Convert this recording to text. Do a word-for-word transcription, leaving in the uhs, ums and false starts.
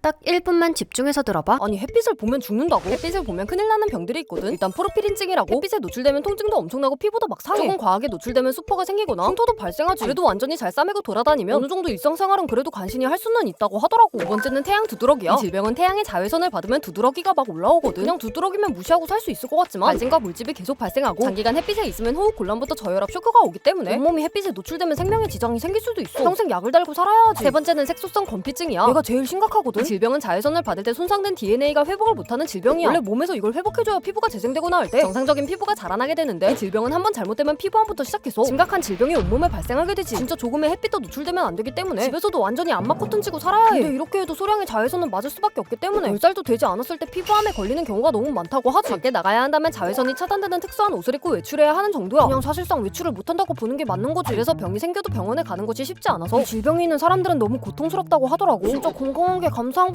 딱 일 분만 집중해서 들어봐. 아니 햇빛을 보면 죽는다고? 햇빛을 보면 큰일 나는 병들이 있거든. 일단 포르피린증이라고. 햇빛에 노출되면 통증도 엄청나고 피부도 막 상해. 조금 과하게 노출되면 수포가 생기거나 흉터도 발생하지. 그래도 완전히 잘 싸매고 돌아다니면 어느 정도 일상생활은 그래도 간신히 할 수는 있다고 하더라고. 두 번째는 태양 두드러기야. 이 질병은 태양의 자외선을 받으면 두드러기가 막 올라오거든. 그냥 두드러기면 무시하고 살 수 있을 것 같지만 발진과 물집이 계속 발생하고 장기간 햇빛에 있으면 호흡 곤란부터 저혈압 쇼크가 오기 때문에 온몸이 햇빛에 노출되면 생명에 지장이 생길 수도 있어. 평생 약을 달고 살아야지. 세 번째는 색소성 건피증이야. 얘가 제일 심각하거든. 이 질병은 자외선을 받을 때 손상된 디엔에이가 회복을 못하는 질병이야. 원래 몸에서 이걸 회복해줘야 피부가 재생되거나 할 때 정상적인 피부가 자라나게 되는데 이 질병은 한번 잘못되면 피부암부터 시작해서 심각한 질병이 온몸에 발생하게 되지. 진짜 조금의 햇빛도 노출되면 안 되기 때문에 집에서도 완전히 안마 커튼 치고 살아야 해. 근데 이렇게 해도 소량의 자외선은 맞을 수밖에 없기 때문에 열 살도 되지 않았을 때 피부암에 걸리는 경우가 너무 많다고 하지. 밖에 나가야 한다면 자외선이 차단되는 특수한 옷을 입고 외출해야 하는 정도야. 그냥 사실상 외출을 못한다고 보는 게 맞는 거지. 그래서 병이 생겨도 병원에 가는 것이 쉽지 않아서 이 질병이 있는 사람들은 너무 고통스럽다고 하더라고. 진짜 건강한 게 감사한